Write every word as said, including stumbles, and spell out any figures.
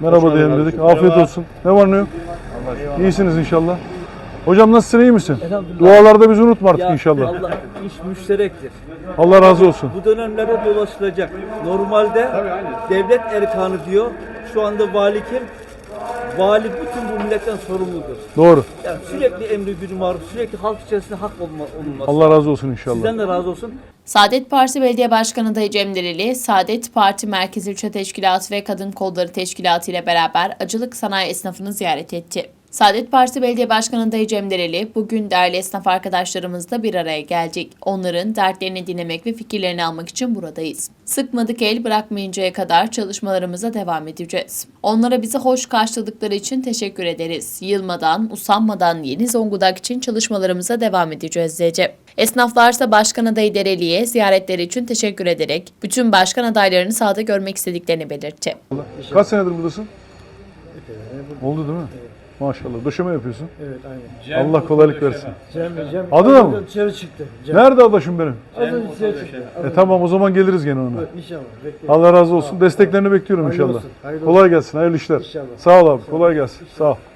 Merhaba diyelim dedik. Afiyet olsun. Ne var ne yok? İyisiniz inşallah. Hocam nasılsın, iyi misin? Dualarda bizi unutma artık Ya inşallah. Allah iş müşterektir. Allah razı olsun. Bu dönemlerde dolaşılacak. Normalde devlet erkanı diyor. Şu anda vali kim? Vali bütün bu milletten sorumludur. Doğru. Yani sürekli emri gücü maruf, sürekli halk içerisinde hak olma, olunması. Allah razı olsun inşallah. Sizden de razı olsun. Saadet Partisi Belediye Başkanı Dayı Cem Dereli, Saadet Parti Merkez İlçe Teşkilatı ve Kadın Kolları Teşkilatı ile beraber acılık sanayi esnafını ziyaret etti. Saadet Partisi Belediye Başkanı Dayı Cem Dereli, bugün değerli esnaf arkadaşlarımızla bir araya geldik. Onların dertlerini dinlemek ve fikirlerini almak için buradayız. Sıkmadık el bırakmayıncaya kadar çalışmalarımıza devam edeceğiz. Onlara bizi hoş karşıladıkları için teşekkür ederiz. Yılmadan, usanmadan Yeni Zonguldak için çalışmalarımıza devam edeceğiz dedi. Esnaflarsa Başkan Adayı Dereli'ye ziyaretleri için teşekkür ederek bütün başkan adaylarını sahada görmek istediklerini belirtti. Kaç senedir buradasın? Oldu değil mi? Maşallah. Döşeme yapıyorsun. Evet aynen. Allah kolaylık versin. Cem, Cem Adı da mı? dışarı çıktı. Cem. Nerede adaşım benim? Adı dışarı çıktı. E tamam, o zaman geliriz gene ona. İnşallah. Bekleyin. Allah razı olsun. Desteklerini bekliyorum Hayırlı inşallah. olsun, hayırlı Kolay gelsin. Hayırlı işler. İnşallah. Sağ ol abi. Kolay gelsin. Sağ ol.